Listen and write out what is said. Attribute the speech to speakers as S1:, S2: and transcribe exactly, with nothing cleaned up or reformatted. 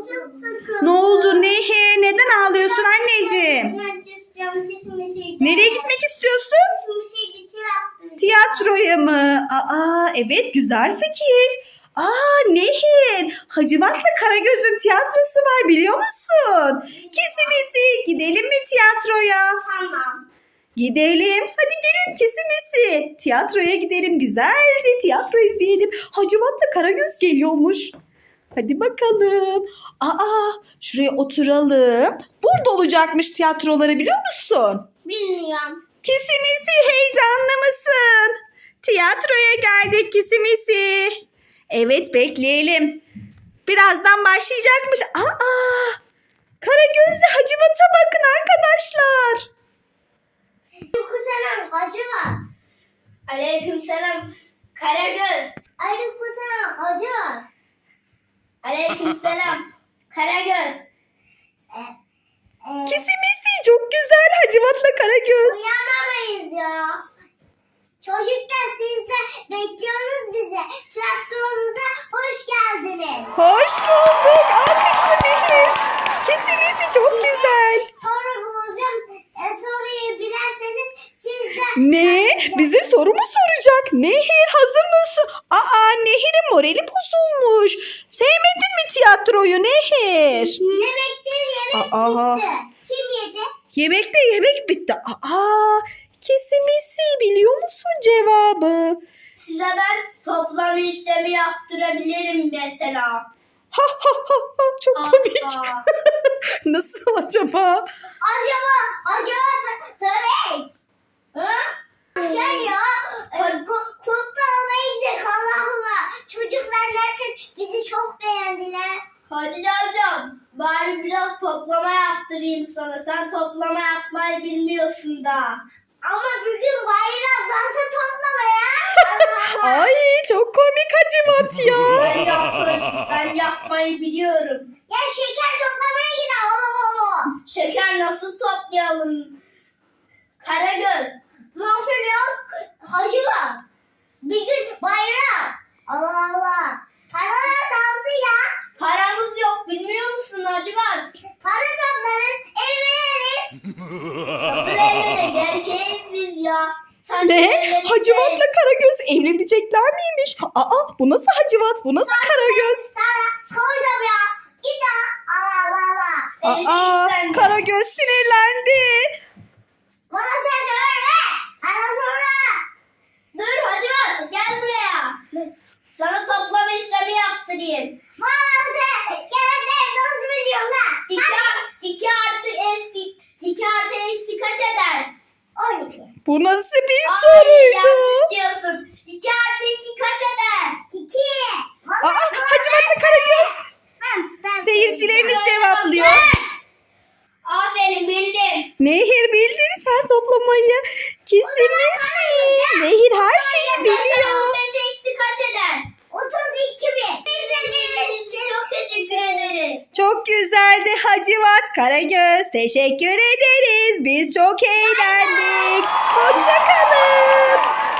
S1: çok sıkıldım.
S2: Ne oldu Nehir? Neden ağlıyorsun anneciğim? Nereye gitmek istiyorsun? Tiyatroya mı? Aa evet, güzel fikir. Aa Nehir, Hacivat'la Karagöz'ün tiyatrosu var, biliyor musun? Kesimisi, gidelim mi tiyatroya?
S1: Tamam.
S2: Gidelim. Hadi gelin kesimisi. Tiyatroya gidelim, güzelce tiyatro izleyelim. Hacivat'la Karagöz geliyormuş. Hadi bakalım. Aa, şuraya oturalım. Burada olacakmış tiyatroları, biliyor musun?
S1: Bilmiyorum.
S2: Kesimisi, heyecanlı mısın? Tiyatroya geldik Kesimisi. Evet, bekleyelim. Birazdan başlayacakmış. Aa, Karagöz'le Hacivat'a bakın arkadaşlar.
S1: Aleykümselam Hacivat. Aleykümselam Karagöz. Aleykümselam Hacivat. Aleykümselam Karagöz. E, e,
S2: Kesimisi, çok güzel Hacivat'la Karagöz.
S1: Uyanamayız ya. Çocuklar siz de bekliyorsunuz bizi. Tiyatromuza hoş geldiniz.
S2: Hoş bulduk. Alkışlı Nehir. Kesimisi çok güzel.
S1: Soru bulacağım. E, soruyu bilerseniz siz de...
S2: Ne? Bize soru mu soracak? Nehir, hazır mısın? Aa, Nehir'in morali bozulmuş. Sevmedin mi tiyatroyu Nehir?
S1: Yemek değil, yemek
S2: Aa.
S1: bitti. Kim yedi?
S2: Yemekte yemek bitti. Aa, Kesimisi, biliyor musun cevabı?
S1: Size ben toplam işlemi yaptırabilirim mesela.
S2: Ha ha ha ha, çok komik.
S1: Aa.
S2: Nasıl acaba?
S1: Acaba, acaba ta- tabii. Hı? Gel ya. E, ko- Kutlu almaya gidelim, Allah Allah. Çocuklar zaten bizi çok beğendiler. Hadi hocam, bari biraz toplama yaptırayım sana. Sen toplama yapmayı bilmiyorsun da. Ama bugün bayram, nasıl toplama ya? Allah Allah.
S2: Ay, çok komik Hacivat ya.
S1: Ben yapmayı, ben yapmayı biliyorum. Ya şeker toplamaya gidelim, Allah Allah. Şeker nasıl toplayalım? Karagöz. Nasıl ya? Hacı var. Bir gün bayram. Allah Allah. Para dansı ya. Paramız yok, bilmiyor musun Hacivat? Para toplarız, evleniriz. Nasıl evleniriz? Gerçeğiz biz ya. Sen
S2: Ne?
S1: evleneceğiz.
S2: Hacivat'la Karagöz evlenecekler miymiş? Aa, bu nasıl Hacivat? Bu nasıl Karagöz?
S1: Sana soracağım ya. Git ya. Allah Allah Allah.
S2: Aa,
S1: Evleneceksen de.
S2: Karagöz sinirlendi.
S1: Bana sen söyle. Bana sonra. Dur Hacivat, gel buraya. Sana toplama işlemi yaptırayım. Bana sen gelenleri nasıl biliyorsun lan? İki, iki artı eksi, iki artı eksi kaç eder? on iki.
S2: Bu nasıl bir
S1: Ay,
S2: soruydu?
S1: yanlış diyorsun. iki artı iki kaç eder? iki.
S2: Aa, Hacivat'la Karagöz. Seyircilerimiz cevaplıyor.
S1: Aferin, bildin.
S2: Nehir, bildin sen toplamayı. Kesinlikle. Nehir her şeyi biliyor.
S1: on beş eksi kaç eder? otuz iki bin. Çok teşekkür ederiz.
S2: Çok güzeldi Hacivat, Karagöz. Teşekkür ederiz. Biz çok eğlendik. Hoşça kalın.